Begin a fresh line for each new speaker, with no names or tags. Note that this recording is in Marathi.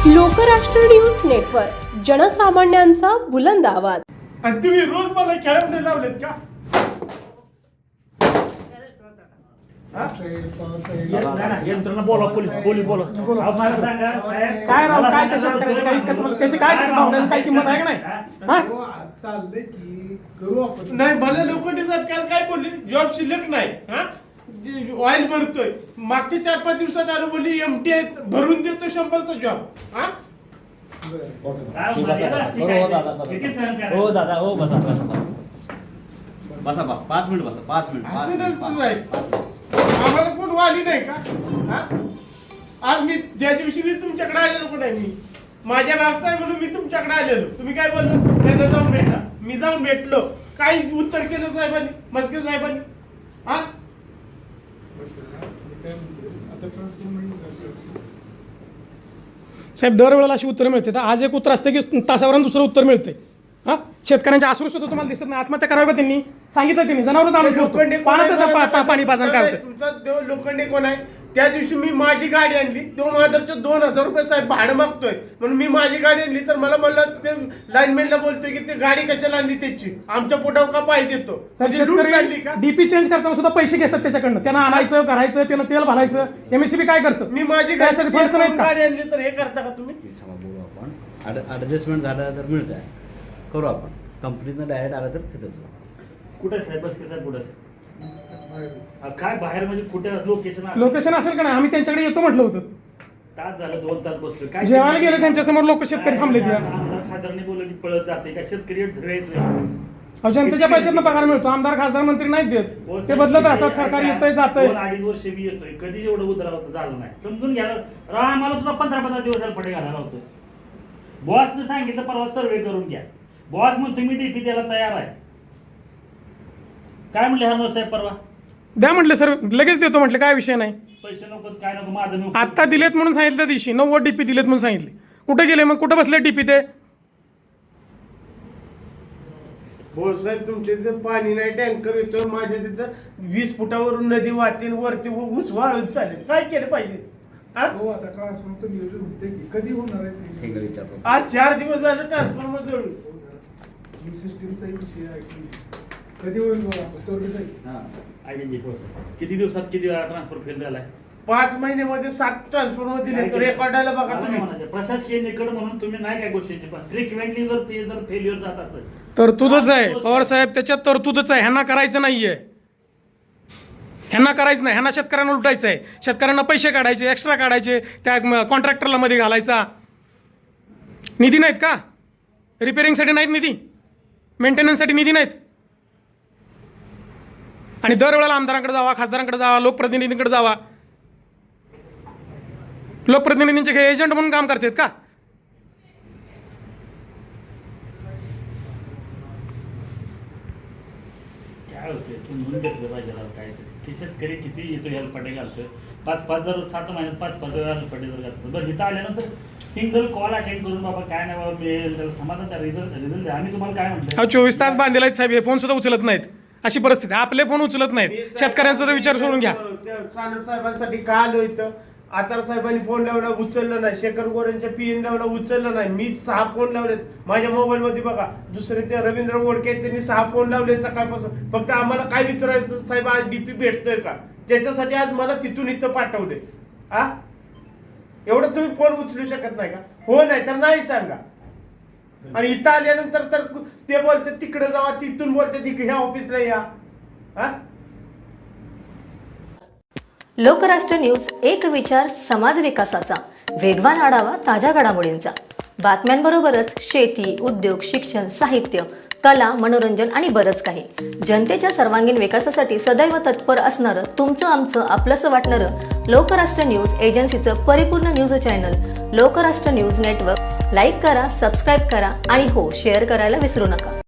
लोकराष्ट्र न्यूज नेटवर्क, जनसामान्यांचा बुलंद आवाज.
आणि तुम्ही रोज मला खेळामध्ये लावलेत का?
यंत्रणा बोला, पोलीस बोला. मला सांगा
काय राव, काय त्या शेतकऱ्याची काही त्याची काय भावनेची काही किंमत आहे का नाही?
चाललंय की करू आपण.
नाही, मला लोखंडे साहेब काल काय बोलली? जॉब शिल्लक नाही. ऑइल भरतोय. मागच्या 4-5 दिवसात आलो, बोलली एमटी भरून देतो 100चा जॉब.
हो दादा, हो बसा बसा बस 5 मिनिट बसा, 5
असं नसतं
मिनिट.
साहेब. आम्हाला कोण वाली नाही का? आज मी त्या दिवशी मी तुमच्याकडे आलेलो पण आहे. मी माझ्या मागचा आहे म्हणून मी तुमच्याकडे आलेलो. तुम्ही काय बोललो? त्यांना जाऊन भेटा. मी जाऊन भेटलो. काय उत्तर केलं साहेबांनी, मस्के साहेबांनी?
साहेब दरवेळेला अशी उत्तर मिळते. तर आज एक उत्तर असते की तासावरून दुसरं उत्तर मिळते. शेतकऱ्यांच्या आसरू सुद्धा तुम्हाला दिसत नाही. आत्महत्या करावी का त्यांनी? सांगितलं त्यांनी जनावर
लोखंडे
पाणी पाजन काय होतं?
तुमचा देव लोखंडे कोण आहे? त्या दिवशी मी माझी गाडी आणली, 2000 रुपये साहेब भाडं मागतोय म्हणून मी माझी गाडी आणली. तर मला म्हणलं ते लाईनमॅनला बोलतोय की ते गाडी कशाला आणली त्याची, आमच्या पोटावर का पाय देतो? लूट चालली का?
डीपी चेंज करताना सुद्धा पैसे घेतात त्याच्याकडनं. त्यांना आणायचं, करायचं, त्यानं तेल भरायचं. एमएससीबी काय करतं?
मी माझी
गाडी
आणली तर हे करता का तुम्ही?
बोलू आपण, ऍडजस्टमेंट झाला तर मिळत आहे, करू आपण. कंपनीनं डायरेक्ट आलं तर तिथं कुठे साहेब? बस साहेब कुठं? काय बाहेर म्हणजे कुठे
लोकेशन असेल का नाही? आम्ही त्यांच्याकडे येतो म्हटलं होतं.
तास झालं, 2 तास बसलो. काय
जेवायला गेले त्यांच्यासमोर लोक शेतकरी थांबले.
खासदारांनी बोललं की पळत जाते का शेतकरी
जनतेच्या पैशातनं पगार मिळतो. आमदार खासदार मंत्री नाहीत देत. ते बदलत राहतात. सरकार येतंय जातंय.
2-2.5 वर्ष मी येतोय, कधी एवढं उतरावं झालं नाही. समजून घ्या. आम्हाला सुद्धा 15-15 दिवस पडे घालायला होतो. बॉसने सांगितलं परवा सर्वे करून घ्या. बॉस म्हणतो मी डीपी द्यायला तयार आहे. काय म्हणले हरनोर साहेब परवा?
द्या म्हटलं सर, लगेच देतो म्हटलं, काय विषय नाही.
पैसे नको, काय नको, माझं मी
आता दिलेत म्हणून सांगितलं. त्या दिवशी 90 डीपी दिलेत म्हणून सांगितले. कुठे गेले मग? कुठे बसले डीपी ते?
हो साहेब, तुमच्या तिथं पाणी नाही, टँकर येतो. माझ्या तिथं 20 फुटावरून नदी वाहते, वरती ऊस वाळून चालेल. काय केलं पाहिजे?
हो, आता ट्रान्सफॉर्मचं नियोजन होते की कधी होणार आहे ते?
आज 4 दिवस झालं ट्रान्सफॉर्मर जळून.
सिस्टीमचा विषय आहे की कधी होईल बघा
किती दिवसात किती वेळा ट्रान्सफर फेल झालाय?
5 महिन्यामध्ये 7 ट्रान्सफॉर्मर दिले. तो रेकॉर्डाला बघा तुम्ही.
प्रशासकीय निकड म्हणून तुम्ही नाही काय गोष्टीची, पण फ्रिक्वेंटली जर ते जर फेल्युअर जात असेल
तरतूदच आहे पवार साहेब, त्याच्यात तरतूदच आहे. ह्यांना करायचं नाहीये, ह्यांना करायचं नाही. ह्यांना शेतकऱ्यांना लुटायचं आहे. शेतकऱ्यांना पैसे काढायचे, एक्स्ट्रा काढायचे, त्या कॉन्ट्रॅक्टरला मध्ये घालायचा. निधी नाहीत का? रिपेअरिंगसाठी नाहीत निधी, मेंटेनन्ससाठी निधी नाहीत. आणि दरवेळेला आमदारांकडे जावा, खासदारांकडे जावा, लोकप्रतिनिधींकडे जावा. लोकप्रतिनिधींचे हे एजंट म्हणून काम करतात का?
काय होते समजून घेतलं पाहिजे काय की शेतकरी किती येतो हेल्पटे घालतोय. 5-5 जर 7 महिन्यात 5-5 वेळा हेल्पटे जर घालतो. बरं, इथं आल्यानंतर सिंगल कॉल अटेंड करून बाबा काय नाही बाबा मिळेल त्याला समाधान द्या, रिझल्ट द्या. आम्ही तुम्हाला काय म्हणतो?
24 तास बांधलेले आहेत साहेब. हे फोन सुद्धा उचलत नाहीत. अशी परिस्थिती. आपले फोन उचलत नाहीत. शेतकऱ्यांचा तर विचार सोडून घ्या.
सानप साहेबांसाठी का आलो इथं? आतार साहेबांनी फोन लावला, उचललं नाही. शेखर गोरेंच्या पीएन लावला, उचललं नाही. मी 6 फोन लावलेत माझ्या मोबाईल मध्ये बघा. दुसरे ते रवींद्र गोडके त्यांनी 6 फोन लावले सकाळपासून. फक्त आम्हाला काय विचारायचं साहेब, आज डीपी भेटतोय का? त्याच्यासाठी आज मला तिथून इथं पाठवले. एवढं तुम्ही फोन उचलू शकत नाही का? हो, नाही तर नाही सांगा. आणि इथं आल्यानंतर तर ते बोलते तिकडे जावा, तिथून बोलते तिकडे ह्या ऑफिसला या.
लोकराष्ट्र न्यूज, एक विचार समाज विकासाचा, वेगवान आढावा ताज्या घडामोडींचा. बातम्यांबरोबरच शेती, उद्योग, शिक्षण, साहित्य, कला, मनोरंजन आणि बरंच काही. जनतेच्या सर्वांगीण विकासासाठी सदैव तत्पर असणारं, तुमचं आमचं आपलंसं वाटणारं लोकराष्ट्र न्यूज एजन्सीचं परिपूर्ण news channel Lokrashtra news network. Like करा, सबस्क्राईब करा आणि हो, शेअर करायला विसरू नका.